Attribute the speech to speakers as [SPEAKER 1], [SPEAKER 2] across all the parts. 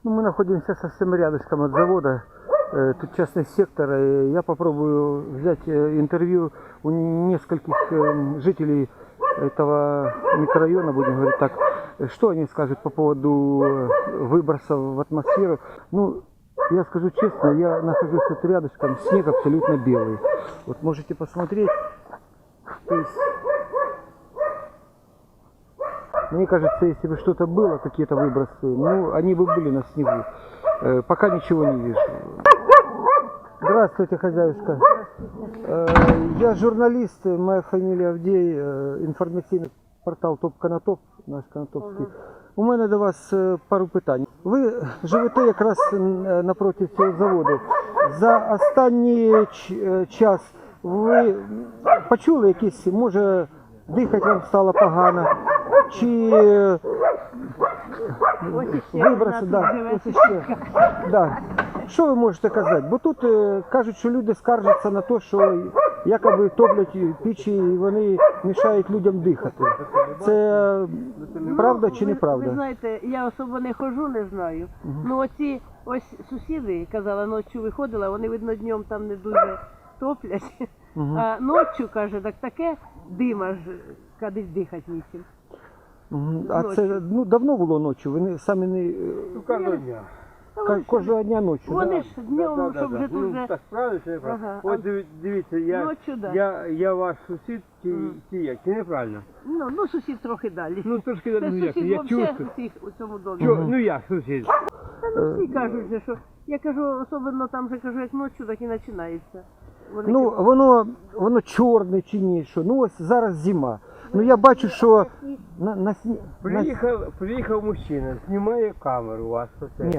[SPEAKER 1] Ну, мы находимся совсем рядышком от завода. Тут частный сектор. И я попробую взять интервью у нескольких жителей этого микрорайона, будем говорить так. Что они скажут по поводу выбросов в атмосферу? Ну, я скажу честно, я нахожусь тут рядышком, снег абсолютно белый. Вот можете посмотреть. То есть, мне кажется, если бы что-то было, какие-то выбросы, ну, они бы были на снегу. Пока ничего не вижу. Здравствуйте, хозяюшка. Я журналист, моя фамилия Авдей, інформаційний портал Топ Конотоп, наш Конотопський. У мене до вас пару питань. Ви живете якраз напроти цього заводу. За останній час ви почули якісь, може, дихати вам стало погано, чи виброси, да. Що ви можете казати? Бо тут кажуть, що люди скаржаться на те, що якоби топлять печі і вони мішають людям дихати. Це правда чи неправда?
[SPEAKER 2] Ви знаєте, я особо не ходжу, не знаю. Ну оці ось сусіди, казала, ночі виходила, вони, видно, днем там не дуже топлять. А ночі, каже, так таке дима ж, кудись дихати нічим.
[SPEAKER 1] А це давно було ночі? Ви самі не...
[SPEAKER 3] Кожного дня.
[SPEAKER 1] Кожного дня ночі,
[SPEAKER 2] Вони ж днем, щоб вже тут вже...
[SPEAKER 3] Так, правильно, чи неправильно?
[SPEAKER 2] Ага.
[SPEAKER 3] От дивіться,
[SPEAKER 2] Ночі, да.
[SPEAKER 3] я ваш сусід, чи як, чи неправильно?
[SPEAKER 2] Ну, сусід трохи далі.
[SPEAKER 3] Ну, трошки,
[SPEAKER 2] Це
[SPEAKER 3] ну як,
[SPEAKER 2] сусід
[SPEAKER 3] я
[SPEAKER 2] взагалі
[SPEAKER 3] чувствую.
[SPEAKER 2] усіх у цьому домі.
[SPEAKER 3] Ну як, сусід?
[SPEAKER 2] Та ну всі кажуть, же, що я кажу, особливо там же кажу, як ночі, так і починається. Вони
[SPEAKER 1] Ну, воно чорне чи ні, що. Ну, ось зараз зима. Ну, я бачу, що на сні...
[SPEAKER 3] Приїхав мужчина, знімає камеру у вас.
[SPEAKER 1] Ні.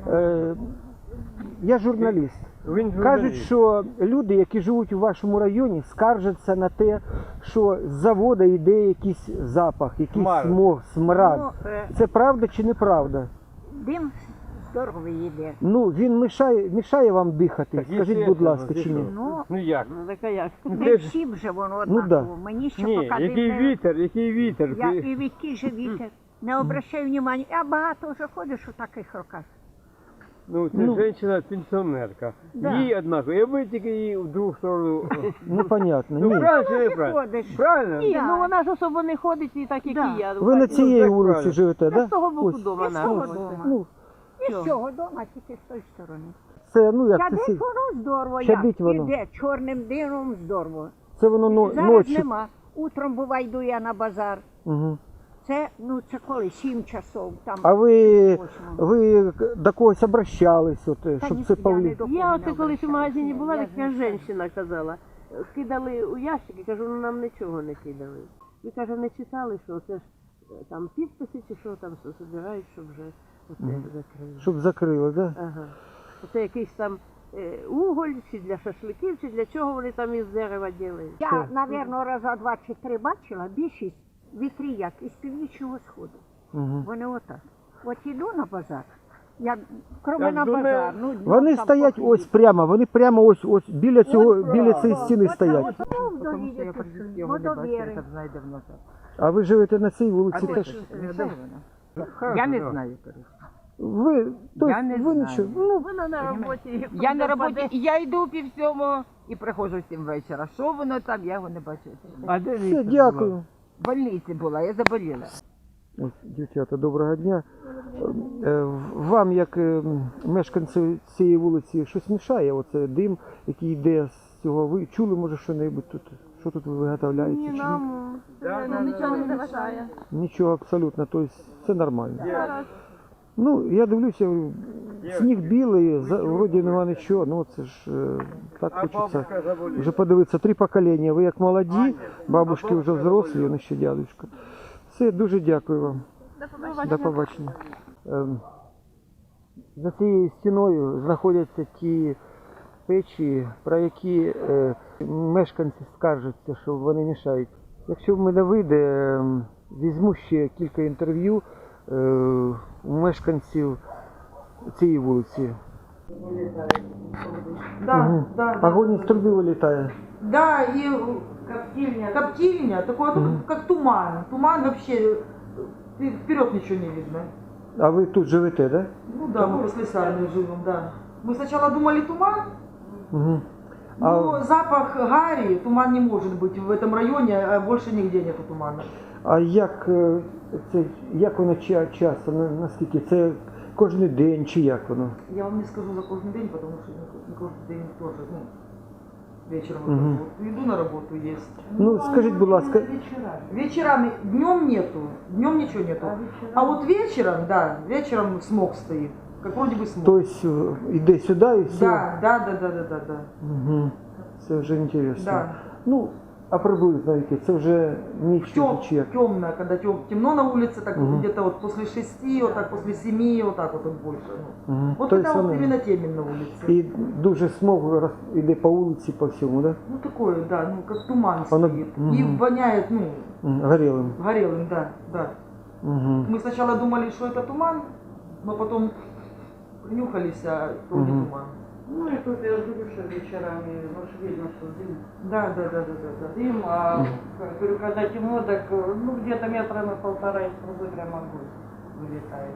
[SPEAKER 1] Я журналіст.
[SPEAKER 3] Він журналіст.
[SPEAKER 1] Кажуть, що люди, які живуть у вашому районі, скаржаться на те, що з заводу йде якийсь запах, якийсь смог, смрад. Це правда чи неправда?
[SPEAKER 4] Дим здоровий йде.
[SPEAKER 1] Ну, він мішає вам дихати,
[SPEAKER 3] Так,
[SPEAKER 1] скажіть, будь ласка, чи ні?
[SPEAKER 3] Ну як?
[SPEAKER 2] Ну, так а як?
[SPEAKER 4] Не всім же воно однаково.
[SPEAKER 1] да.
[SPEAKER 4] Мені ще
[SPEAKER 3] Ні,
[SPEAKER 4] поки
[SPEAKER 3] який
[SPEAKER 4] дим не...
[SPEAKER 3] вітер.
[SPEAKER 4] Я і який же вітер. Не обращаю внимання. Я багато вже ходиш у таких роках.
[SPEAKER 3] Ну, це жінка-пенсіонерка.
[SPEAKER 4] Да.
[SPEAKER 3] Їй однаково, я би тільки її в другу сторону.
[SPEAKER 1] Ну, понятно,
[SPEAKER 3] Ну,
[SPEAKER 1] ні.
[SPEAKER 3] правильно чи
[SPEAKER 4] Ти
[SPEAKER 3] неправильно?
[SPEAKER 4] ходиш.
[SPEAKER 3] Правильно?
[SPEAKER 2] Ні,
[SPEAKER 4] Да.
[SPEAKER 2] ну вона ж особо не ходить і так, як
[SPEAKER 4] Да.
[SPEAKER 2] і я.
[SPEAKER 1] Ви на цій
[SPEAKER 3] так
[SPEAKER 1] вулиці
[SPEAKER 3] правильно.
[SPEAKER 1] живете,
[SPEAKER 2] З
[SPEAKER 1] так?
[SPEAKER 2] того боку
[SPEAKER 1] Ось.
[SPEAKER 2] дома
[SPEAKER 4] З того
[SPEAKER 2] нашого.
[SPEAKER 4] дома.
[SPEAKER 1] Ну,
[SPEAKER 4] І з цього дома, тільки з тої сторони.
[SPEAKER 1] це, ну, як це,
[SPEAKER 4] Чадить воно здорово,
[SPEAKER 1] Чадить
[SPEAKER 4] як
[SPEAKER 1] воно.
[SPEAKER 4] іде чорним димом здорово.
[SPEAKER 1] це воно
[SPEAKER 4] Зараз
[SPEAKER 1] ночі.
[SPEAKER 4] нема. Утром буває, йду я на базар.
[SPEAKER 1] Угу.
[SPEAKER 4] Це коли? 7 часов. Там.
[SPEAKER 1] А ви
[SPEAKER 4] Восьмого.
[SPEAKER 1] до когось обращались, от,
[SPEAKER 4] Та
[SPEAKER 1] щоб
[SPEAKER 4] ні,
[SPEAKER 1] це
[SPEAKER 4] я
[SPEAKER 1] повлі...
[SPEAKER 4] не до кого
[SPEAKER 2] Я
[SPEAKER 4] не
[SPEAKER 2] оце колись у
[SPEAKER 4] обращалася.
[SPEAKER 2] магазині була,
[SPEAKER 4] Я
[SPEAKER 2] така
[SPEAKER 4] знаю.
[SPEAKER 2] жінка казала. Кидали у ящики, кажу, ну нам нічого не кидали. Ви, каже, не читали, що це ж там підписи чи що там збирають, щоб вже оце закрили.
[SPEAKER 1] Щоб закрили, так? Да?
[SPEAKER 2] Ага. Оце якийсь там уголь, чи для шашликів, чи для чого вони там із дерева роблять.
[SPEAKER 4] Я, напевно, раза 2 чи 3 бачила, більшість вітрі як із північного сходу.
[SPEAKER 1] Угу.
[SPEAKER 4] Вони отак. От іду на базар, я, кроме на
[SPEAKER 3] до
[SPEAKER 4] базар, ну, днем
[SPEAKER 1] Вони
[SPEAKER 4] там
[SPEAKER 1] стоять
[SPEAKER 4] походити.
[SPEAKER 1] ось прямо, вони прямо ось біля цієї стіни стоять.
[SPEAKER 4] Ну, в долі водовіри.
[SPEAKER 1] А ви живете на цій вулиці теж?
[SPEAKER 5] Я не знаю.
[SPEAKER 1] Ви,
[SPEAKER 5] Я не
[SPEAKER 1] ви
[SPEAKER 5] знаю.
[SPEAKER 1] нічого.
[SPEAKER 2] Ну, вона на роботі.
[SPEAKER 5] Я на роботі, і я йду пів сьомого і приходжу в 7 вечора. Що воно там, я його не бачу.
[SPEAKER 3] А де
[SPEAKER 1] Все,
[SPEAKER 3] Віктор
[SPEAKER 1] дякую.
[SPEAKER 5] В больниці була, я заболіла.
[SPEAKER 1] Ось, дівчата, доброго дня. Вам, як мешканцю цієї вулиці, щось мішає? Оце дим, який йде з цього. Ви чули, може, що-небудь тут? Що тут ви виготовляєте?
[SPEAKER 2] Ні,
[SPEAKER 1] чи ні?
[SPEAKER 2] нам нічого не заважає.
[SPEAKER 1] Нічого абсолютно, тобто це нормально. Ну, я дивлюся, сніг білий, вроді нема нічого, ну це ж так хочеться вже подивитися. 3 покоління, ви як молоді, бабушки вже взрослі, вони ще дядечко. Все, дуже дякую вам. До побачення. За цією стіною знаходяться ті печі, про які мешканці скаржаться, що вони мішають. Якщо в мене вийде, візьму ще кілька інтерв'ю у мешканців цієї вулиці.
[SPEAKER 6] Да, да.
[SPEAKER 1] Огонь із труби вилітає.
[SPEAKER 6] Да, и коптильня, такое как туман. Туман вообще, вперед ничего не видно.
[SPEAKER 1] А вы тут живете, да?
[SPEAKER 6] Ну да, мы после Сарны живем, да. Мы сначала думали туман,
[SPEAKER 1] Угу.
[SPEAKER 6] но запах гари, туман не может быть в этом районе, а больше нигде нету тумана.
[SPEAKER 1] А як воно часто, наскільки? Це кожен день чи як воно?
[SPEAKER 6] Я вам не скажу за каждый день, потому что не каждый день тоже, ну, вечером
[SPEAKER 1] Мгм.
[SPEAKER 6] вот, иду на работу, есть.
[SPEAKER 1] Ну, скажіть, будь ласка,
[SPEAKER 6] Вечерами, днем нету, днем ничего нету. А вот вечером, да, вечером смог стоит, как вроде бы смог.
[SPEAKER 1] то есть іде сюди і все?
[SPEAKER 6] Да.
[SPEAKER 1] Угу. Це вже інтересно.
[SPEAKER 6] Да.
[SPEAKER 1] Ну, а приблизно яке? Це вже ніч чи як?
[SPEAKER 6] Темно, когда темно на улице, так
[SPEAKER 1] Мгм.
[SPEAKER 6] где-то вот после 6, вот так после 7, вот так вот больше. Ну.
[SPEAKER 1] Угу.
[SPEAKER 6] Вот
[SPEAKER 1] То
[SPEAKER 6] это
[SPEAKER 1] есть
[SPEAKER 6] вот
[SPEAKER 1] воно-
[SPEAKER 6] именно темен на улице.
[SPEAKER 1] І дуже смог іде по вулиці, по всьому, да?
[SPEAKER 6] Ну такое, да, ну как туман
[SPEAKER 1] Оно-
[SPEAKER 6] стоит.
[SPEAKER 1] мгм.
[SPEAKER 6] И воняет, ну,
[SPEAKER 1] Горілим.
[SPEAKER 6] горелым, да.
[SPEAKER 1] Угу.
[SPEAKER 6] Мы сначала думали, что это туман, но потом принюхались, а то не
[SPEAKER 1] Мгм.
[SPEAKER 6] туман.
[SPEAKER 7] Ну и тут я говорю, что вечерами, ну ж видно, что дым.
[SPEAKER 6] Да.
[SPEAKER 7] Дым, а говорю, когда темно, так ну где-то метра на полтора из трубы прям огонь вылетает.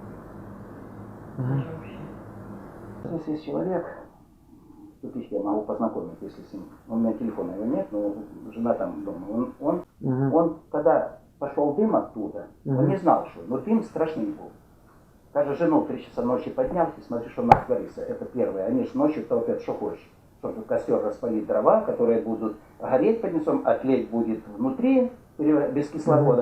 [SPEAKER 7] Даже вообще.
[SPEAKER 8] Если есть человек, купить я могу познакомить, если с ним. У меня телефона его нет, но жена там дома. Он когда пошел дым оттуда, он не знал, что, но дым страшный был. Даже жену в 3 часа ночи поднял, и смотри, что у нас творится. Это первое. Они же ночью топят, что хочешь. Чтобы костер распалить дрова, которые будут гореть под низом, а тлеть будет внутри, без кислорода.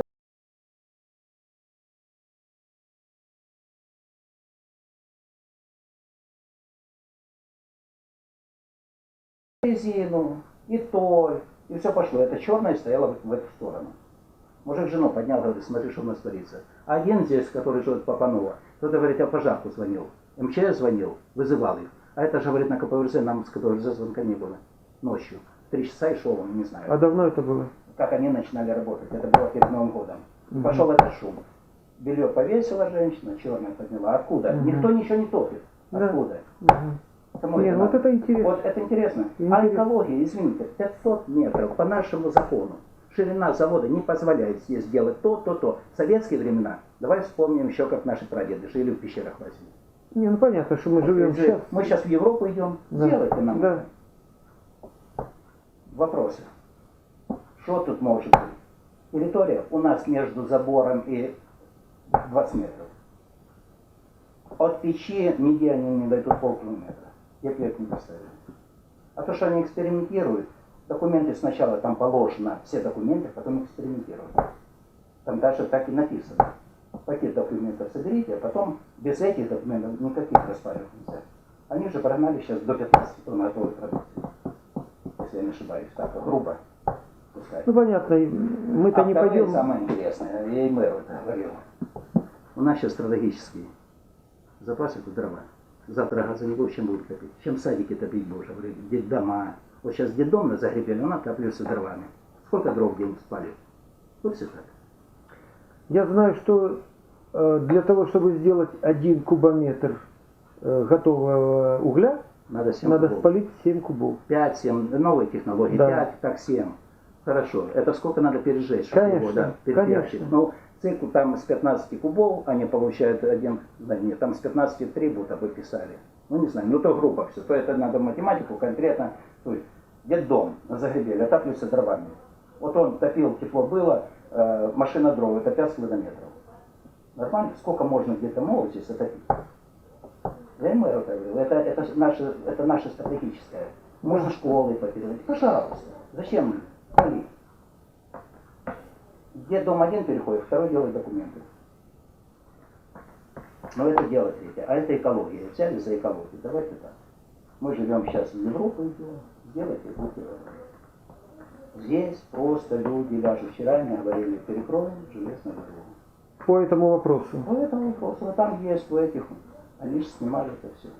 [SPEAKER 8] Резину, и толь, и все пошло. Это черное стояло в эту сторону. Мужик жену поднял, говорит, смотри, что у нас творится. А один здесь, который живет Папанова, кто-то говорит, я пожарку звонил. МЧС звонил, вызывал их. А это же, говорит, на КПВЗ, нам с КПВЗ звонка не было. Ночью. 3 часа и шел он, не знаю.
[SPEAKER 1] А давно это было?
[SPEAKER 8] Как они начинали работать. Это было перед Новым годом. Пошел этот шум. Белье повесила женщина, черное подняла. Откуда? Никто ничего не топит.
[SPEAKER 1] Да.
[SPEAKER 8] Откуда? Кому
[SPEAKER 1] Нет,
[SPEAKER 8] это
[SPEAKER 1] вот
[SPEAKER 8] надо?
[SPEAKER 1] это интересно.
[SPEAKER 8] Вот это интересно. А
[SPEAKER 1] Интересно.
[SPEAKER 8] экология, извините, 500 метров по нашему закону. Ширина завода не позволяет здесь делать то. В советские времена, давай вспомним еще, как наши прадеды жили в пещерах в Азии.
[SPEAKER 1] Не, ну понятно, что мы живем сейчас.
[SPEAKER 8] Мы сейчас в Европу идем,
[SPEAKER 1] Да.
[SPEAKER 8] делайте нам.
[SPEAKER 1] Да.
[SPEAKER 8] Вопросы. Что тут может быть? Территория у нас между забором и 20 метров. От печи нигде они не дойдут полкилометра. Я бы их не поставил. А то, что они экспериментируют, документы сначала там положено, все документы, потом экспериментируют. Там даже так и написано. Пакет документов соберите, а потом без этих документов никаких распаривать нельзя. Они же прогнали сейчас до 15 тонн готовой продукции. Если я не ошибаюсь, так грубо. Пускай.
[SPEAKER 1] Ну понятно, мы-то
[SPEAKER 8] А
[SPEAKER 1] не
[SPEAKER 8] второе,
[SPEAKER 1] пойдем.
[SPEAKER 8] самое интересное, я и мэру это говорил. У нас сейчас стратегический запас это дрова. Завтра газовиков чем будут топить? Чем садики топить будешь? Говорили, детдома. Вот сейчас детдом на Загребеле, он отапливается дровами. Сколько дров в день спалит? Вот все так.
[SPEAKER 1] Я знаю, что для того, чтобы сделать 1 кубометр готового угля,
[SPEAKER 8] Надо 7
[SPEAKER 1] надо
[SPEAKER 8] кубов.
[SPEAKER 1] спалить 7 кубов.
[SPEAKER 8] 5-7, новые технологии,
[SPEAKER 1] Да.
[SPEAKER 8] 5, так 7. Хорошо. Это сколько надо пережечь, чтобы
[SPEAKER 1] Конечно,
[SPEAKER 8] его, да, перепрячить.
[SPEAKER 1] конечно.
[SPEAKER 8] Ну, цикл там с 15 кубов, они получают один, да нет, там с 15 3 будто бы писали. Ну, не знаю, ну то грубо все. То это надо математику конкретно. То есть, детдом на Загребеле отапливается дровами. Вот он топил, тепло было, машина дров, это 5 километров. Нормально? Сколько можно где-то молоть здесь отопить? Я ему это говорил, это наше стратегическое. Можно школы попередать. Пожалуйста. Зачем палить? Где дом один переходит, второй делает документы. Но это дело третье. А это экология. Взяли за экологию. Давайте так. Мы живем сейчас в Европу, идем. Сделайте, будьте рады. Здесь просто люди ляжут. Вчера мне говорили, перекроем железную дорогу.
[SPEAKER 1] По этому вопросу.
[SPEAKER 8] По этому вопросу. Вот там есть у этих. Они же снимали это все.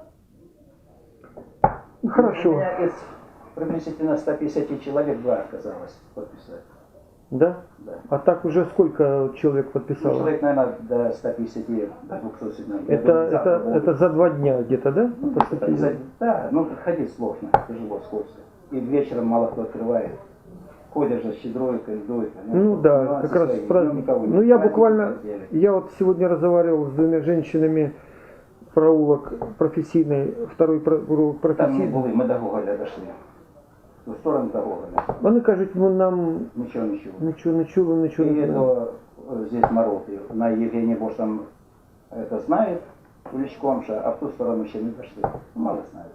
[SPEAKER 1] Ну,
[SPEAKER 8] У
[SPEAKER 1] хорошо.
[SPEAKER 8] меня из приблизительно 150 человек 2 отказалось подписать.
[SPEAKER 1] Да?
[SPEAKER 8] Да.
[SPEAKER 1] А так уже сколько человек
[SPEAKER 8] Ну,
[SPEAKER 1] подписало?
[SPEAKER 8] человек, наверное, до 150, до 200 сигналов. Я думаю, завтра
[SPEAKER 1] Это
[SPEAKER 8] будут.
[SPEAKER 1] за 2 дня где-то, да? По
[SPEAKER 8] Это
[SPEAKER 1] статье?
[SPEAKER 8] да, ну ходить сложно, тяжело, скользко. И вечером мало кто открывает. ходят же щедройка, льдойка.
[SPEAKER 1] Ну да, как раз праздник. Ну я буквально, я вот сегодня разговаривал с двумя женщинами, проулок професійний, второй проулок
[SPEAKER 8] Там не
[SPEAKER 1] професійний.
[SPEAKER 8] були, ми до Гоголя дошли. В сторону до Гоголя.
[SPEAKER 1] Вони кажуть, ну нам
[SPEAKER 8] Ничего, ничего.
[SPEAKER 1] нічого не чули, нічого
[SPEAKER 8] И
[SPEAKER 1] не знали.
[SPEAKER 8] это здесь Мороты. На Евгения Бош там это знает, Уличком же, а в ту сторону еще не дошли. Мало знает.